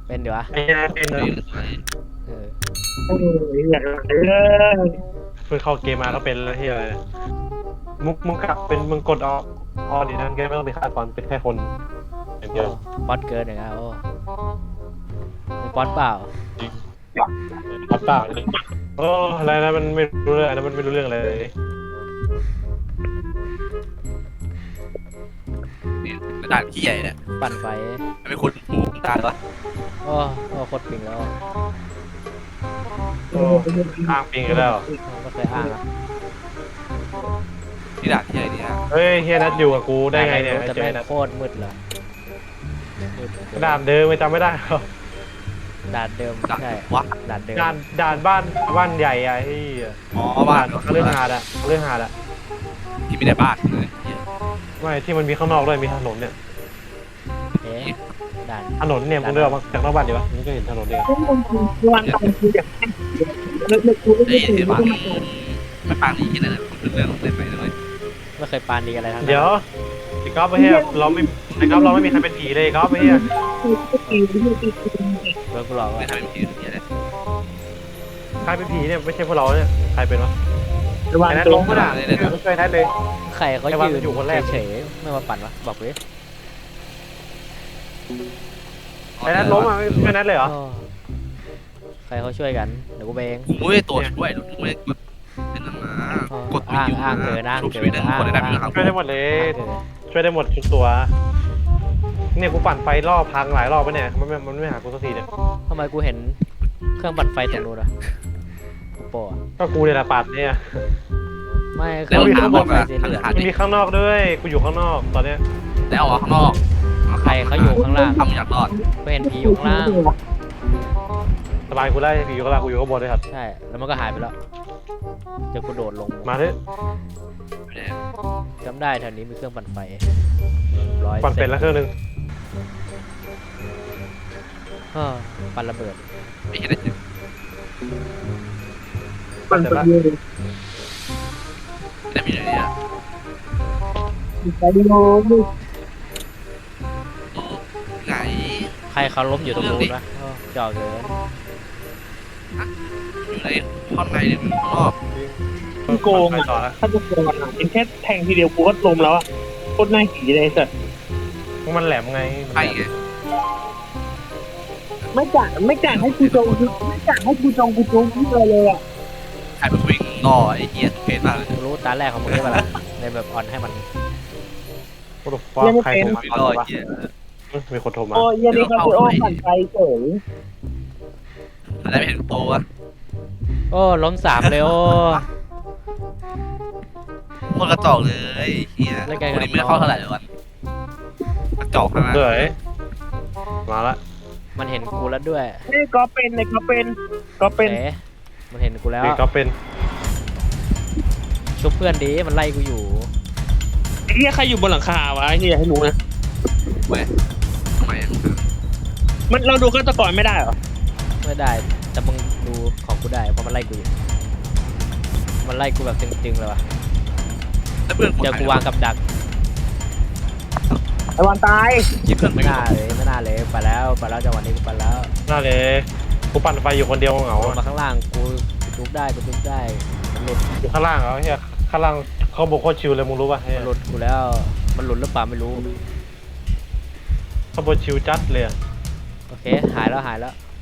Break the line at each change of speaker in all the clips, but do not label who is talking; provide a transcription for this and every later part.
เป็นเดี๋ยวอะ
เป็นเลย
เออ
อย่าง
เพิ่งเข้าเกมมาก็เป็นแล้วที่อะไรมึงกลับเป็นมึงกดออดีนั่นแกไม่ต้องไปฆ่าตอนเป็นแค่คนอย่างเดียว
ป๊อตเกินอย่างเงี้ยโอ้มีป๊อตเปล่า
จริงปัดเปล่าเลยโอ้อะไรนะมันไม่รู้เรื่องอันนั้นมันไม่รู้เรื่องอะไรเลย
นี่กระดาษขี้ใหญ่เนี่ย
ปั่นไฟ
มันเป็นคนหูตาปะ
โอ้โคตรปิงแล้ว
โอ้อ้างปิงกันแล้ว
ไม่เคยอ้างอะ
กระดาษขี้ใหญ่เนี่ย
เฮ้ยเฮียนัทอยู่กับกูได้ไงเนี่ย
แต่
เจอ
แม่
ไอ้
ง
นัท
โคตรมืดเลยมืด
กระดานเดิมไม่จำไม่ได้หรอ
ด่านเดิม
ด่า
ใช่
วะ
ด่านเดิม
ด่านบ้านใหญ่อะที่
อ๋อบ้าน
เรื่องหาดอะเรื่องหาดอะ
ที่ไม่ได้บ้านเลย
ไม่ที่มันมีข้างนอกด้วยมีถนนเนี่ย
เอ๊ะด่าน
ถนนเนี่ยมึงเดินออกมาจากนอกบ้านดีปะมึงก็เห็นถนนเนี่ย
วันตอนคืออย่างเลิกกูไม่
เฮ้ย
เคย
เดี๋ยว
ไม่
บ้าน
มาก่อน
ไม่ปางนี้กันเลยเรื่องเล่นไปเลย
ไม่เคยปานดีอะไรทั้งนั้น
เดี๋ยวไอ้ก๊อฟไอ้เฮียเราไม่มีใครเป็นผีเลยก๊อฟไอ้เฮีย
เบิร์กูหลอก
ไม่
ว่า
ทำเป็นผีเนี่ยเลย
ใครเป็นผีเนี่ยไม่ใช่พวกเราเนี่ยใครเป็นวะ
วัน
ไอ้นัท
ตั
ล
ว
งก็ได้ไม่ช่วยนัทเลย
ใครเขา
ไอ้วัน
ยื
มันอยู่คนแรก
เฉยๆไม่มาปั่นวะบอกเลย
ไอ้นัทล้มอ่ะไม่ช่วยนัทเลยเหรอ
โอ้ใครเขาช่วยกันเดี๋ยวกูไปเอง
กูไม่ได้ตัวช่วยกูไม่ได้กดเป็นนั่นนะกดวิวช่วยได้หมดได้ไหมครับ
ช่วยได้หมดเลย
เออ
ช่วยได้หมดทุกตัวเนี่ยกูปั่นไฟรอบพังหลายรอบไปเนี่ยมันไม่หากูสักทีเนี่ย
ทำไมกูเห็นเครื่องปั่นไฟตรงนู้นอะกูโปะ
ก็กูเนี่ยแหละปั่นเนี่ย
ไม่เค
แล้
รื่
ว
อง
หา
ปั่น
บอก
ไฟ
อะ
สีเหลือง
หา
มันมีข้างนอกด้วยกูอยู่ข้างนอกตอนเนี้ย
แล้วออกข้างนอก
ใครเขาอยู่ข้างล่าง
ทำอยากรอด
กูเห็นผีอยู่ข้างล่าง
สบายกูได้อยู่ข้างล่างกูอยู่ข้างบนเลยครับ
ใช่แล้วมันก็หายไปแล้วเดี๋ยวกูโดดลง
มาเถอะ
จำได้แถวนี้มีเครื่องปั่นไฟร้อย
ปั่นเป็นแล้วเครื่องนึง
เออปั่นระเบิด
ไม่เห็นได้จริง
ปั่นไปเยอะ
ได้มีอะไรเนี่ย
ไปโยน
ไง
ใครเขาล้มอยู่ตรงนู้นวะเออจ่อเกิน
อยู่ในห้องในหรือข้างนอก
โกง
ไปต่อแล้ว
ถ้าจะโกงอ่ะเป็นแค่แทงทีเดียวกูก็ล้มแล้วอ่ะโคตรน่าขี่เลยสัส
มันแหลมไง
ใช่ไง
ไม่จ่ายให้กูจงไม่จ่ายให้กูจงพูดเลยอ่ะ
ใครเป็นวิ่งล่อไอ้เหี้ยเพจมากเลย
กูรู้ตาแรกของมึงได้ปะล่ะในแบบอ่อนให้มัน
โอ้โหใครโทรมา
วิ่งล่อไอ้เหี้ย
มีคนโทรมา
โอ้ยนี่ครับโอ้ปั่นไปเฉย
อะไรไม่เห็นโตวะ
โอ้ล้มสามเลยโอ้
โคตรกระจอกเลยเหี้ยคนนี้ไม่เข้าเท่าไหร่เลยวะกระจอกขนาด
เฮ้ยมาละ
มันเห็นกูแล้วด้วย
นี่ก็เป็น
เอ๋มันเห็นกูแล้ว
นี่ก็เป็น
ชุบเพื่อนดีมันไล่กูอยู่
ไอ้เหี้ยใครอยู่บนหลังคาวะไอ้เหี้ยให้รู้นะ
เว้ยทำไม
มันเราดูฆาตกรไม่ได้เหรอ
ไม่ได้แต่มึงดูของกูได้เพราะมันไล่กูอยู่มันไล่กูแบบตึงๆเลยวะ
แล้วเพื่อน
เจอกูวางกับดัก
ไอ้วันตาย
คิดเพื่อน
ไม่
ไม่
น่า
ได้
เลยไม่น่าเลยไปแล้วจังหวะนี้กูไปแล้ว
น่าเลยกูปั่นไฟอยู่คนเดียวเหงา
ลงมาข้างล่างกูทุบได้มันหลุด
อยู่ข้างล่างเหรอเฮียข้างล่างเขาบอกโคตรชิวเลยมึงรู้ป่ะเฮีย
มันหลุดกูแล้วมันหลุดหรือเปล่าไม่รู้
เขาบอกชิวจัดเลย
โอเคหายแล้ว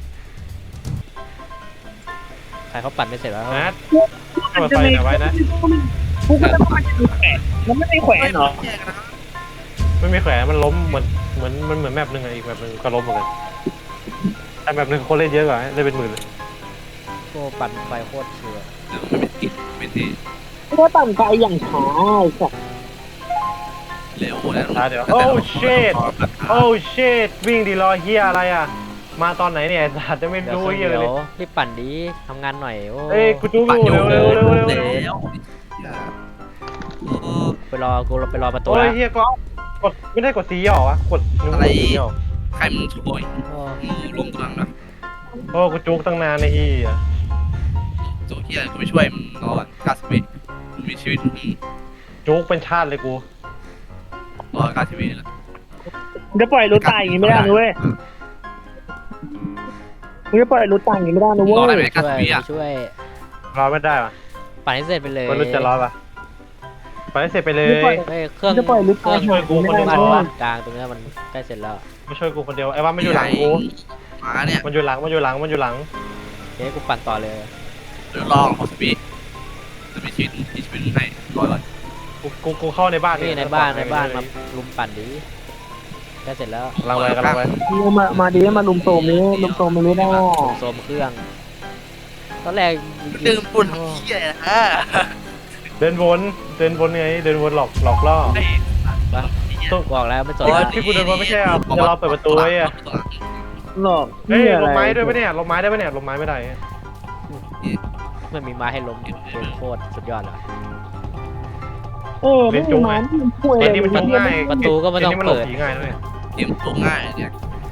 ใครเขาปั่นไม่เสร็จแล้ว
นัดเปิดไฟหน่อยไว้นะ
กูก็ต้องมาดูแขวนมันไม่ได้แขวนเหรอ
ไม่มีแขวนมันล้มเหมือนแมปหนึ่งอะอีกแมปหนึ่งก็ล้มเหมือนกันแต่แมปหนึ่งคนเล่นเยอะกว่าเล่นเป็นหมื่นเลย
โอ้ปั่นไฟโคตรเชื่อ
ไม่เป็นกิจไม่ที่
ก็ปั่นไปอย่างช้าไอ้สัส
เร็วแล้ว
เดี๋ยวโอ้ชิตวิ่งดีรอเฮียอะไรอ่ะมาตอนไหนเนี่ยสัตว์จะไม่
เดี๋ยว
รู้
เครื่อง
เฮีย
เดี
เลย
ยวรีบปั่นดีทำงานหน่อยโอ้
เอ้ยกูจู้
ปั่นอยู่
เร็ว
แล้ว
ไปรอประตู
โอ้ย
แล้ว
เฮียก็กดไม่ได้กดสีหรอวะกดนิ้วสีหรอ
ใครมึงช่วย
โอ้
ลงตรงนั้นนะ
โอ้กูจุกตั้งนานในเฮีย
โจเฮียกูไม่ช่วยมึงรอ90 วิมึงมีชีวิต
จุกเป็นชาติเลยกู
รอ90 วิแหละ
จะปล่อยรถตายอย่างนี้ไม่ได้นะเว้ยมึงจะปล่อยรถต่างอย่างนี้ไม่ได้นะเว้
รอได้
ย
ไหม
ช่วย
90 วิอ่ะ
ช่วย
รอไม่ได้ป่ะ
ปั่นให้เสร็จไปเลย
มันรู้จะรอป่ะไปให้เสร็จไปเลย
ไม่ปล่อย
เฮ้ยเครื่อง
จะปล่อยรถ
เครื่
ต่า
อง ง
อย่างนี้ไม่ได้
ปั่น
นะเว้
บ้าย น
ย
กลางตรงเนี้ยมันใกล้เสร็จแล้ว
มาช่วยกูคนเดียวไอ้ว่ามันอยู่หลังกู
มาเนี่ย
มันอยู่หลังมันอยู่หลังมันอยู่หลัง
เฮ้ยกูปั่นต่อเลย
เดี๋ยวรอ60 วิจะมีชีวิตให้รอก่อน
กูเข้าในบ้าน
นี่ในบ้านมาลุมปั่นดิใกล้เสร็จแล้ว
กำลังไป
มาดีมาลุมโซมนี้ลุมโซมไม่ได้
โซมเครื่อง ตอนแรก
ดึงปุ่นเหี้ยฮะ
เดินวนไงเดินวนหลอกล่อ
ไอ้
บอกแล้วไม่สน
โอ้ย
แล้ว
ที่กูเดินวนไม่ใช่อ่ะจะรอเปิดประตูไว้อ่ะ
หลอก
เฮ้ยลงไม้ด้วยปะเนี่ยลงไม้ได้ปะเนี่ยลงไม้ไม่ได้
มันมีไม้ให้ล้มเกมโคตรสุดยอดเลย
ไม่มีมันป่วย
เกมนี้มันจุกง่าย
ประตูก็ไม่ต้อง
เกนี้มันหลบ
เปิด
ผีง่ายด้วย
เกมตัวง่ายเนี่ย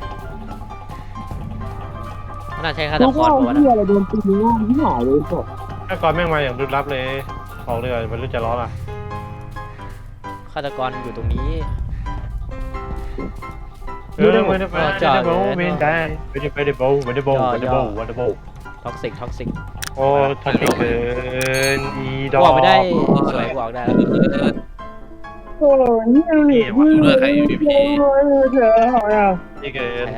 น่าใช้ฆาต
ลูก
ก
ว่าร
ตัวนะ
ที่อะไรโดนตีง่ายที่หายเลยสด
ถ้าก่อนแม่งมาอย่างรุนรับเลยออกเลยมันรู้จะร้อนอ่ะ
ฆาตกรอยู่ตรงนี้
ไม่ได้ไม่ได้ไม่ได้โบไม่ได้โบ
ท็อกซิก
โอ้ท็อกซิกเกินอีดอก
บอกไม่ได้สวยบอกได้แล้ว
โอ้ยนี่
ดูด้วยใคร MVP
เธอหอยอ่ะ
นี่เกิน